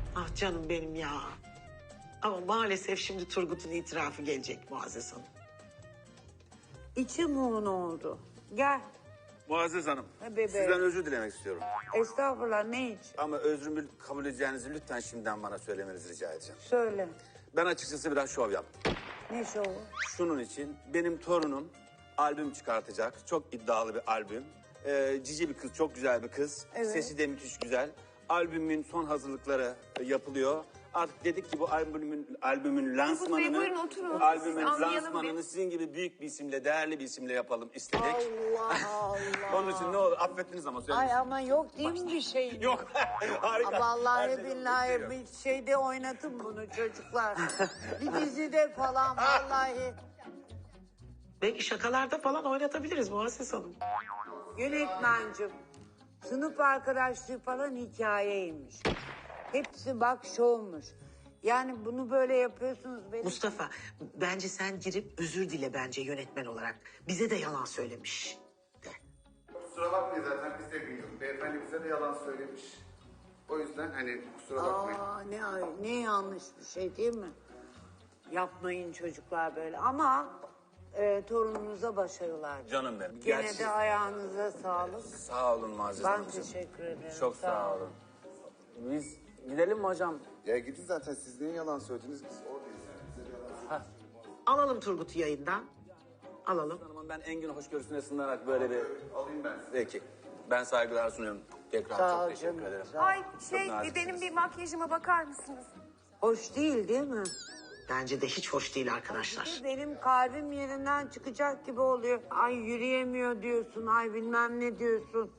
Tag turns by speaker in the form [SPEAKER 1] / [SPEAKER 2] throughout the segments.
[SPEAKER 1] Ah canım benim ya. Ama maalesef şimdi Turgut'un itirafı gelecek Muazzez Hanım.
[SPEAKER 2] İçim un oldu. Gel.
[SPEAKER 3] Muazzez Hanım,
[SPEAKER 2] Ha, bebeğim.
[SPEAKER 3] sizden özür dilemek istiyorum.
[SPEAKER 2] Estağfurullah, ne için?
[SPEAKER 3] Ama özrümü kabul edeceğinizi lütfen şimdiden bana söylemenizi rica edeceğim.
[SPEAKER 2] Söyle.
[SPEAKER 3] Ben açıkçası biraz şov yaptım.
[SPEAKER 2] Ne şovu?
[SPEAKER 3] Şunun için benim torunum albüm çıkartacak. Çok iddialı bir albüm. Cici bir kız, çok güzel bir kız.
[SPEAKER 2] Evet.
[SPEAKER 3] Sesi de müthiş güzel. Albümün son hazırlıkları yapılıyor. Artık dedik ki bu albümün lansmanını,
[SPEAKER 4] buyurun oturun.
[SPEAKER 3] albümün
[SPEAKER 4] Siz anlayalım
[SPEAKER 3] lansmanını
[SPEAKER 4] bir.
[SPEAKER 3] sizin gibi büyük bir isimle, değerli bir isimle yapalım istedik.
[SPEAKER 2] Allah Allah.
[SPEAKER 3] Onun için ne olur affettiniz ama söyleyin.
[SPEAKER 2] Ay ama yok değil mi bir şey?
[SPEAKER 3] Yok. Harika. Her
[SPEAKER 2] Vallahi
[SPEAKER 3] şey yok,
[SPEAKER 2] billahi
[SPEAKER 3] yok.
[SPEAKER 2] bir şeyde oynatın bunu çocuklar. Bir dizide falan vallahi.
[SPEAKER 1] Belki şakalarda falan oynatabiliriz Muazzez Hanım.
[SPEAKER 2] Yönetmencim, sınıf arkadaşlığı falan hikayeymiş. Hepsi bak şovmuş. Yani bunu böyle yapıyorsunuz benim.
[SPEAKER 1] Mustafa, bence sen girip özür dile bence yönetmen olarak. Bize de yalan söylemiş de.
[SPEAKER 5] Kusura bakmayın zaten biz de biliyoruz. Beyefendi bize de yalan söylemiş. O yüzden hani kusura bakmayın.
[SPEAKER 2] Aa, ne yanlış bir şey değil mi? Yapmayın çocuklar böyle ama torununuza başarılar.
[SPEAKER 3] Canım benim.
[SPEAKER 2] Gene
[SPEAKER 3] Gerçi-
[SPEAKER 2] de ayağınıza sağlık.
[SPEAKER 3] Sağ olun Muazzez
[SPEAKER 2] Ben
[SPEAKER 3] Hanımcığım.
[SPEAKER 2] teşekkür ederim.
[SPEAKER 3] Çok sağ olun. Biz gidelim mi hocam?
[SPEAKER 5] Ya gidin zaten siz niye yalan söylediniz biz oradayız yani. Bize de yalan söylediniz.
[SPEAKER 1] Alalım Turgut'u yayından. Alalım.
[SPEAKER 3] Hanımım ben Engin hoşgörüsüne sığınarak böyle bir...
[SPEAKER 5] Alayım ben sizi.
[SPEAKER 3] Peki. Ben saygılar sunuyorum. Tekrar
[SPEAKER 2] Sağ
[SPEAKER 3] çok
[SPEAKER 2] ol
[SPEAKER 3] teşekkür
[SPEAKER 2] canım,
[SPEAKER 3] ederim.
[SPEAKER 2] sağ ol.
[SPEAKER 4] Ay
[SPEAKER 3] Çok naziksiniz.
[SPEAKER 4] benim bir makyajıma bakar mısınız?
[SPEAKER 2] Hoş değil mi?
[SPEAKER 1] Bence de hiç hoş değil arkadaşlar.
[SPEAKER 2] Benim kalbim yerinden çıkacak gibi oluyor. Ay yürüyemiyor diyorsun, ay bilmem ne diyorsun.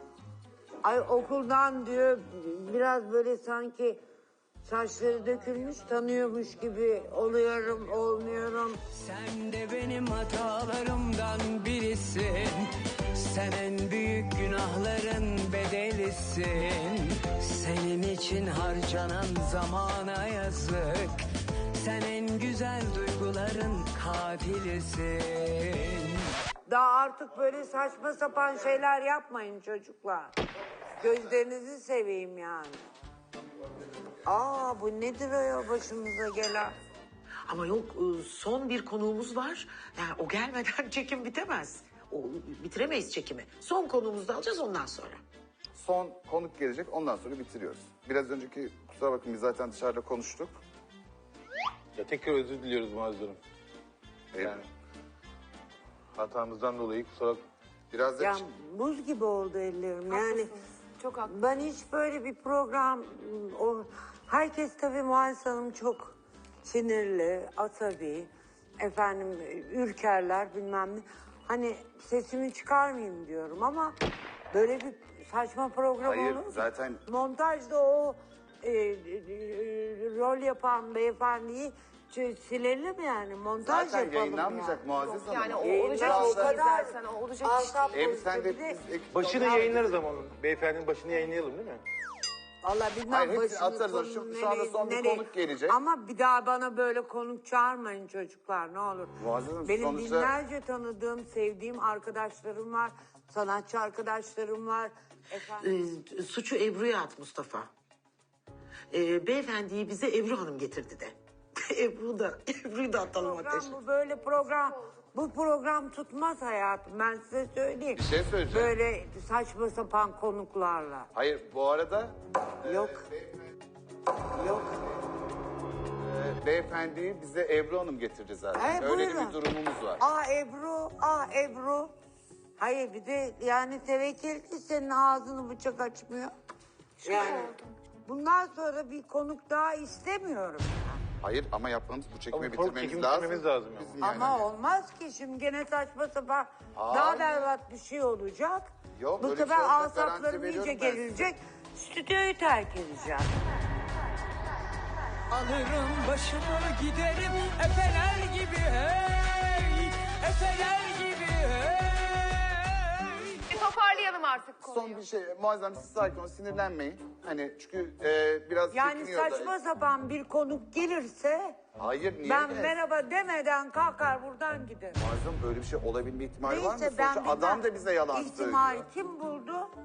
[SPEAKER 2] Ay okuldan diyor biraz böyle sanki saçları dökülmüş tanıyormuş gibi oluyorum, olmuyorum.
[SPEAKER 6] Sen de benim hatalarımdan birisin. Sen en büyük günahların bedelisin. Senin için harcanan zamana yazık. Sen en güzel duyguların katilisin.
[SPEAKER 2] Daha artık böyle saçma sapan şeyler yapmayın çocuklar. Gözlerinizi seveyim yani. Aa bu nedir o ya başımıza gelen?
[SPEAKER 1] Ama yok son bir konuğumuz var. Yani o gelmeden çekim bitemez. Bitiremeyiz çekimi. Son konuğumuzu da alacağız ondan sonra.
[SPEAKER 5] Son konuk gelecek ondan sonra bitiriyoruz. Biraz önceki kusura bakın biz zaten dışarıda konuştuk.
[SPEAKER 7] Ya tekrar özür diliyoruz Muazzez Hanım. Yani hatamızdan dolayı kusura bakmayın.
[SPEAKER 5] Biraz da
[SPEAKER 2] Ya buz gibi oldu ellerim yani.
[SPEAKER 4] Çok haklı.
[SPEAKER 2] Ben hiç böyle bir program... herkes tabii Muazzez Hanım çok sinirli, asabi, efendim ürkerler bilmem ne. Hani sesimi çıkarmayayım diyorum ama böyle bir saçma program
[SPEAKER 5] Hayır,
[SPEAKER 2] olur mu?
[SPEAKER 5] zaten-
[SPEAKER 2] Montajda o rol yapan beyefendiyi silelim yani montaj
[SPEAKER 5] zaten
[SPEAKER 2] yapalım
[SPEAKER 5] yayınlanmayacak
[SPEAKER 2] yani.
[SPEAKER 5] Muazzez Hanım.
[SPEAKER 4] Yani o
[SPEAKER 2] Yayınlar
[SPEAKER 4] olacak
[SPEAKER 2] o
[SPEAKER 4] iş değil
[SPEAKER 2] kadar
[SPEAKER 4] zaten. O olacak iş
[SPEAKER 2] asap
[SPEAKER 4] değil.
[SPEAKER 2] bozucu.
[SPEAKER 5] Sen
[SPEAKER 2] Bir
[SPEAKER 5] de
[SPEAKER 2] de-
[SPEAKER 5] biz
[SPEAKER 7] Başını yayınlarız ama onun. Beyefendinin başını yayınlayalım değil mi?
[SPEAKER 2] Valla bilmem
[SPEAKER 5] Hayır, hepsini
[SPEAKER 2] başını
[SPEAKER 5] atarız.
[SPEAKER 2] sonunu
[SPEAKER 5] Şu anda son bir
[SPEAKER 2] nereye-
[SPEAKER 5] konuk gelecek.
[SPEAKER 2] Ama bir daha bana böyle konuk çağırmayın çocuklar ne olur.
[SPEAKER 5] Muazzez Hanım,
[SPEAKER 2] Benim
[SPEAKER 5] sonuçta-
[SPEAKER 2] binlerce tanıdığım, sevdiğim arkadaşlarım var. Sanatçı arkadaşlarım var. Efendim,
[SPEAKER 1] Suçu Ebru'ya at Mustafa. Beyefendiyi bize Ebru Hanım getirdi de. Ebru'yu da atalım
[SPEAKER 2] program
[SPEAKER 1] ateşe.
[SPEAKER 2] bu böyle program. Bu program tutmaz hayatım ben size söyleyeyim.
[SPEAKER 5] Bir şey söyleyeceğim.
[SPEAKER 2] Böyle saçma sapan konuklarla.
[SPEAKER 5] Hayır bu arada
[SPEAKER 2] Yok. Yok.
[SPEAKER 5] beyefendiyi bize Ebru Hanım getirdi zaten. Öyle
[SPEAKER 2] buyurun.
[SPEAKER 5] bir durumumuz var.
[SPEAKER 2] Ebru. Hayır bir de yani tevekkül ki senin ağzını bıçak açmıyor. Yani bundan sonra bir konuk daha istemiyorum.
[SPEAKER 5] Hayır ama yapmamız bu çekimi
[SPEAKER 7] Ama konuk
[SPEAKER 5] bitirmemiz
[SPEAKER 7] çekimi
[SPEAKER 5] lazım.
[SPEAKER 7] bitirmemiz lazım yani.
[SPEAKER 5] Bizim yani.
[SPEAKER 2] Ama olmaz ki şimdi gene saçma sapan
[SPEAKER 5] Hayır.
[SPEAKER 2] daha berbat bir şey olacak.
[SPEAKER 5] Yok,
[SPEAKER 2] Bu
[SPEAKER 5] öyle bir
[SPEAKER 2] sefer
[SPEAKER 5] şey olacak,
[SPEAKER 2] asaplarım
[SPEAKER 5] garanti
[SPEAKER 2] iyice
[SPEAKER 5] veriyorum ben size.
[SPEAKER 2] gerilecek. Stüdyoyu terk edeceğim.
[SPEAKER 6] Alırım başımı giderim efeler gibi hey. Efeler gibi hey.
[SPEAKER 4] Toparlayalım artık konuyu.
[SPEAKER 5] Son bir şey Muazzez siz sakin olun sinirlenmeyin. Hani çünkü biraz
[SPEAKER 2] Yani
[SPEAKER 5] çekiniyor da-
[SPEAKER 2] saçma sapan bir konuk gelirse
[SPEAKER 5] Hayır niye?
[SPEAKER 2] ben
[SPEAKER 5] gelsin?
[SPEAKER 2] merhaba demeden kalkar buradan giderim.
[SPEAKER 5] Muazzez böyle bir şey olabilme ihtimali var mı?
[SPEAKER 2] Neyse ben
[SPEAKER 5] Sonuçta adam da bize yalan
[SPEAKER 2] ihtimal
[SPEAKER 5] söylüyor.
[SPEAKER 2] kim buldu?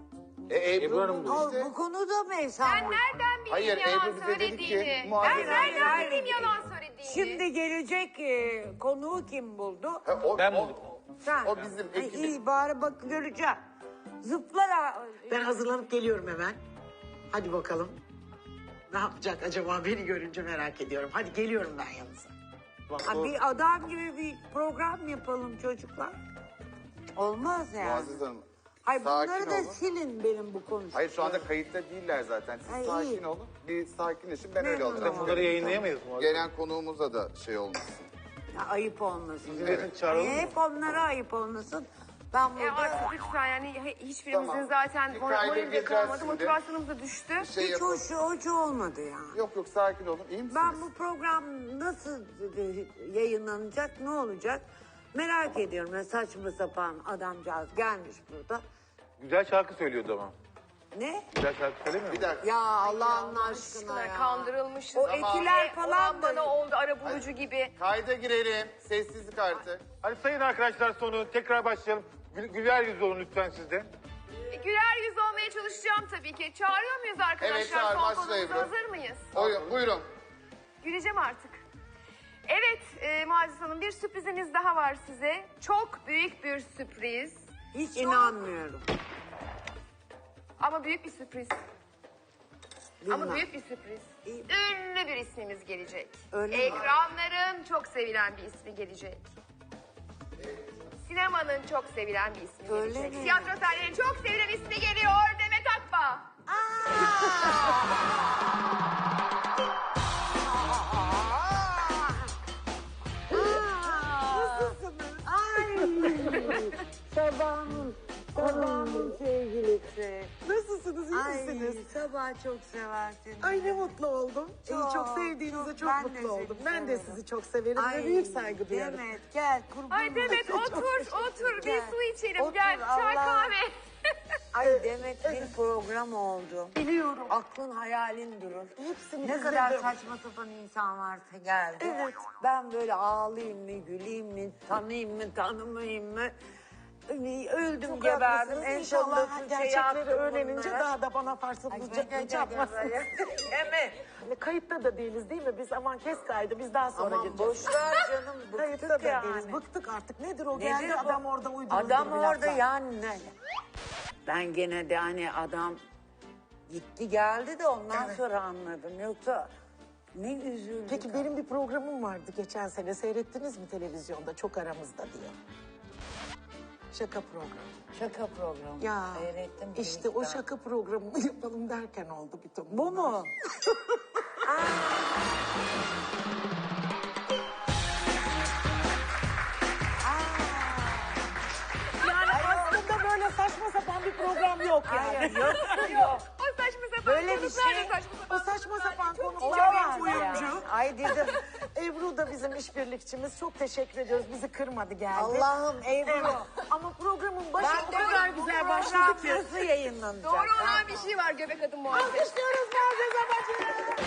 [SPEAKER 7] Ebru Hanım bu.
[SPEAKER 2] O, bu konuda mı Esen
[SPEAKER 4] Ben
[SPEAKER 2] var?
[SPEAKER 4] nereden bileyim
[SPEAKER 5] Hayır,
[SPEAKER 4] yalan
[SPEAKER 5] Ebru bize dedi ki,
[SPEAKER 4] söylediğini?
[SPEAKER 5] Muazzez
[SPEAKER 4] Ben
[SPEAKER 5] Hanım-
[SPEAKER 4] nereden
[SPEAKER 2] Hayır,
[SPEAKER 4] bileyim
[SPEAKER 2] hayır.
[SPEAKER 4] yalan söylediğini?
[SPEAKER 2] Şimdi gelecek konuğu kim buldu?
[SPEAKER 7] Ben buldum.
[SPEAKER 2] Sen.
[SPEAKER 5] O bizim
[SPEAKER 2] Ay,
[SPEAKER 5] ekibin.
[SPEAKER 2] İyi bari bak göreceğim. Zıplar ha.
[SPEAKER 1] Ben hazırlanıp geliyorum hemen. Hadi bakalım. Ne yapacak acaba beni görünce merak ediyorum. Hadi geliyorum ben yanınıza.
[SPEAKER 2] Ha, bir adam gibi bir program yapalım çocuklar. Olmaz yani.
[SPEAKER 5] Muazzez Hanım.
[SPEAKER 2] Hayır
[SPEAKER 5] sakin
[SPEAKER 2] bunları da
[SPEAKER 5] olun.
[SPEAKER 2] silin benim bu konuştuklarım.
[SPEAKER 5] Hayır şu anda kayıtta değiller zaten. Siz
[SPEAKER 2] Ay,
[SPEAKER 5] sakin
[SPEAKER 2] iyi.
[SPEAKER 5] olun. Bir sakinleşin ben öyle
[SPEAKER 2] Memnun
[SPEAKER 5] olacağım.
[SPEAKER 2] oldum.
[SPEAKER 7] Bunları yayınlayamayız mı?
[SPEAKER 5] Gelen konuğumuza da şey olmasın.
[SPEAKER 2] Ya, ayıp olmasın.
[SPEAKER 7] Evet. Çağıralım mı?
[SPEAKER 2] Hep onlara ayıp olmasın. Ben burada...
[SPEAKER 4] Artık lütfen yani hiçbirimizin
[SPEAKER 5] Tamam.
[SPEAKER 4] zaten
[SPEAKER 5] Bir kayda
[SPEAKER 4] morali de
[SPEAKER 5] gireceğiz
[SPEAKER 4] kalmadı,
[SPEAKER 5] şimdi.
[SPEAKER 4] motivasyonumuz da düştü.
[SPEAKER 5] Şey
[SPEAKER 2] Hiç
[SPEAKER 5] yapalım.
[SPEAKER 2] hoş olmadı ya.
[SPEAKER 5] Yok sakin olun. İyi misiniz?
[SPEAKER 2] Ben bu program nasıl yayınlanacak, ne olacak merak ediyorum. Ya, saçma sapan adamcağız gelmiş burada.
[SPEAKER 7] Güzel şarkı söylüyordu ama.
[SPEAKER 2] Ne?
[SPEAKER 7] Güzel şarkı söylemiyor mu?
[SPEAKER 5] Bir dakika.
[SPEAKER 2] Ya Allah'ın aşkına ya.
[SPEAKER 4] Kandırılmışız.
[SPEAKER 2] O etiler falan
[SPEAKER 4] Olan bana
[SPEAKER 2] da...
[SPEAKER 4] oldu ara bulucu gibi.
[SPEAKER 5] Kayda girelim. Sessizlik artık.
[SPEAKER 7] Hadi sayın arkadaşlar sonu tekrar başlayalım. Güler yüz olun lütfen siz de.
[SPEAKER 4] Güler yüz olmaya çalışacağım tabii ki. Çağırıyor muyuz arkadaşlar?
[SPEAKER 5] Evet, çağır,
[SPEAKER 4] Son
[SPEAKER 5] başla
[SPEAKER 4] konumuza
[SPEAKER 5] Ebru.
[SPEAKER 4] hazır mıyız?
[SPEAKER 5] Buyurun.
[SPEAKER 4] Güleceğim artık. Evet Muazzez Hanım bir sürprizimiz daha var size. Çok büyük bir sürpriz.
[SPEAKER 2] Hiç inanmıyorum.
[SPEAKER 4] Ama büyük bir sürpriz.
[SPEAKER 2] Bilmem.
[SPEAKER 4] Ama büyük bir sürpriz.
[SPEAKER 2] İyi.
[SPEAKER 4] Ünlü bir ismimiz gelecek.
[SPEAKER 2] Öyle mi?
[SPEAKER 4] Ekranların çok sevilen bir ismi gelecek. Sinemanın çok sevilen bir ismi
[SPEAKER 2] Öyle
[SPEAKER 4] gelecek.
[SPEAKER 2] mi?
[SPEAKER 4] Tiyatro sahnelerinin çok sevilen ismi geliyor. Demet Akbağ.
[SPEAKER 2] Nasılsınız? Ay. Sabahın sevgilisi.
[SPEAKER 1] Nasılsınız? İyi
[SPEAKER 2] Ay
[SPEAKER 1] misiniz?
[SPEAKER 2] sabah çok sever seni.
[SPEAKER 1] Ay ne mutlu oldum.
[SPEAKER 2] Çok,
[SPEAKER 1] Çok sevdiğinize çok
[SPEAKER 2] ben de
[SPEAKER 1] mutlu oldum.
[SPEAKER 2] seni
[SPEAKER 1] Ben de
[SPEAKER 2] severim.
[SPEAKER 1] sizi çok severim
[SPEAKER 2] Ay,
[SPEAKER 1] ve büyük saygı duyarım.
[SPEAKER 2] Demet gel kurban
[SPEAKER 4] Ay Demet
[SPEAKER 2] olayım.
[SPEAKER 4] otur bir
[SPEAKER 2] Gel.
[SPEAKER 4] su içelim
[SPEAKER 2] Otur,
[SPEAKER 4] gel. Çay
[SPEAKER 2] Allah.
[SPEAKER 4] kahve.
[SPEAKER 2] Ay Demet bir program oldu.
[SPEAKER 1] Biliyorum.
[SPEAKER 2] Aklın hayalin durur.
[SPEAKER 1] Hepsini
[SPEAKER 2] Ne
[SPEAKER 1] izledim.
[SPEAKER 2] kadar saçma sapan insan varsa geldi.
[SPEAKER 1] Evet.
[SPEAKER 2] Ben böyle ağlayayım mı, güleyim mi, tanıyayım mı, tanımayayım mı? Öldüm
[SPEAKER 1] Çok
[SPEAKER 2] geberdim.
[SPEAKER 1] haklısınız.
[SPEAKER 2] En
[SPEAKER 1] İnşallah
[SPEAKER 2] sonunda şey
[SPEAKER 1] gerçekleri
[SPEAKER 2] yaptım
[SPEAKER 1] öğrenince
[SPEAKER 2] bunlara.
[SPEAKER 1] daha da bana farsızlık yapmazsınız.
[SPEAKER 2] Değil mi?
[SPEAKER 1] Kayıtta da değiliz değil mi? Biz aman kes kaydı biz daha sonra
[SPEAKER 2] Aman
[SPEAKER 1] gireceğiz.
[SPEAKER 2] boş ver canım.
[SPEAKER 1] Kayıtta
[SPEAKER 2] Bıktık
[SPEAKER 1] da
[SPEAKER 2] yani.
[SPEAKER 1] değiliz. Bıktık artık. Nedir o?
[SPEAKER 2] Nedir
[SPEAKER 1] Geldi
[SPEAKER 2] bu?
[SPEAKER 1] adam orada uydurdu.
[SPEAKER 2] Adam
[SPEAKER 1] bir
[SPEAKER 2] orada
[SPEAKER 1] laflar.
[SPEAKER 2] yani ne? Ben gene de hani adam gitti geldi de ondan
[SPEAKER 1] Evet.
[SPEAKER 2] sonra anladım. Yoksa ne üzüldüm.
[SPEAKER 1] Peki benim bir programım vardı geçen sene. Seyrettiniz mi televizyonda? Çok aramızda diye. Şaka programı.
[SPEAKER 2] Şaka programı.
[SPEAKER 1] Ya
[SPEAKER 2] Seyrettim.
[SPEAKER 1] işte o şaka programını yapalım derken oldu bütün
[SPEAKER 2] Bu
[SPEAKER 1] bunlar.
[SPEAKER 2] mu?
[SPEAKER 1] Yani aslında böyle saçma sapan bir program yok yani.
[SPEAKER 2] Hayır yok yok.
[SPEAKER 4] O saçma sapan
[SPEAKER 2] Böyle bir
[SPEAKER 4] konuklar da
[SPEAKER 2] şey-
[SPEAKER 4] saçma sapan.
[SPEAKER 1] O saçma sapan konular
[SPEAKER 2] Olamaz
[SPEAKER 1] bir oyuncu.
[SPEAKER 2] ya. Ay dedim.
[SPEAKER 1] Ebru da bizim işbirlikçimiz. Çok teşekkür ediyoruz. Bizi kırmadı geldi.
[SPEAKER 2] Allah'ım Ebru.
[SPEAKER 1] Evet. Ama programın başı o
[SPEAKER 2] Ben de
[SPEAKER 1] kadar
[SPEAKER 2] bu
[SPEAKER 1] güzel
[SPEAKER 2] program
[SPEAKER 1] başladı ki.
[SPEAKER 2] nasıl yayınlanacak?
[SPEAKER 4] Doğru olan bir şey var göbek adım muhabbeti.
[SPEAKER 1] Alkışlıyoruz Muazzez Abacı.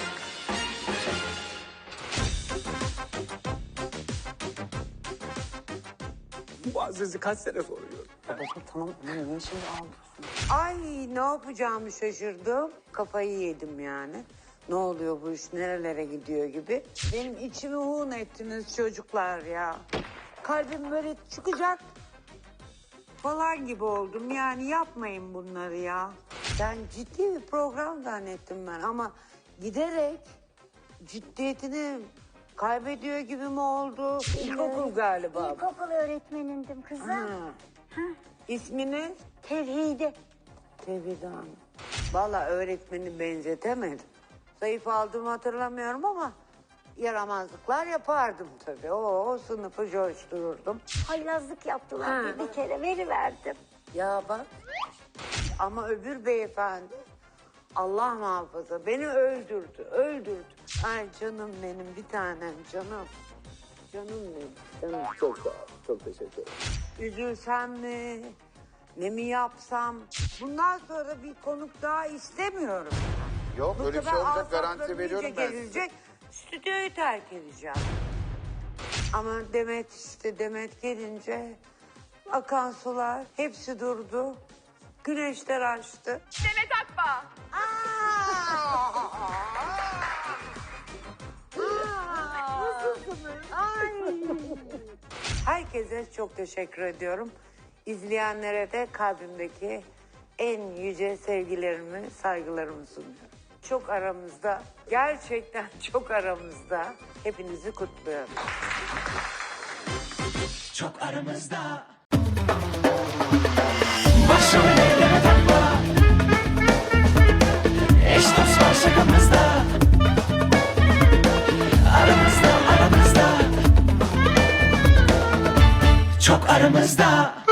[SPEAKER 1] Muazzez'i kaç sene sonra gördüm.
[SPEAKER 2] Ay ne yapacağımı şaşırdım. Kafayı yedim yani. Ne oluyor bu iş nerelere gidiyor gibi. Benim içimi hun ettiniz çocuklar ya. Kalbim böyle çıkacak falan gibi oldum. Yani yapmayın bunları ya. Ben ciddi bir program zannettim ben ama giderek ciddiyetini kaybediyor gibi mi oldu? İlkokul galiba.
[SPEAKER 8] İlkokul öğretmenindim kızım.
[SPEAKER 2] Ha. İsminiz?
[SPEAKER 8] Tevhide.
[SPEAKER 2] Tevhid Hanım. Valla öğretmeni benzetemedim. Zayıf aldığımı hatırlamıyorum ama yaramazlıklar yapardım tabii. O sınıfı coştururdum.
[SPEAKER 8] Haylazlık yaptılar.
[SPEAKER 2] Ha.
[SPEAKER 8] Bir kere veriverdim.
[SPEAKER 2] Ya bak ama öbür beyefendi Allah muhafaza beni öldürdü. Ay canım benim bir tanem canım. Canım benim. Canım.
[SPEAKER 3] Çok sağ ol. Çok teşekkür ederim.
[SPEAKER 2] Üzülsem mi? Ne mi yapsam? Bundan sonra bir konuk daha istemiyorum.
[SPEAKER 5] Yok
[SPEAKER 2] Bu
[SPEAKER 5] öyle bir şey
[SPEAKER 2] sefer
[SPEAKER 5] olacak garanti
[SPEAKER 2] asaplarım
[SPEAKER 5] veriyorum
[SPEAKER 2] iyice
[SPEAKER 5] ben size.
[SPEAKER 2] gezilecek. Stüdyoyu terk edeceğim. Ama Demet gelince akan sular hepsi durdu. Güneşler açtı.
[SPEAKER 4] Demet Akbağ.
[SPEAKER 2] Herkese çok teşekkür ediyorum. İzleyenlere de kalbimdeki en yüce sevgilerimi, saygılarımı sunuyorum. Çok aramızda, gerçekten çok aramızda. Hepinizi kutluyorum.
[SPEAKER 6] Çok aramızda. Başrol Demet Akbağ. Eş dost var şakamızda. Aramızda. Çok aramızda.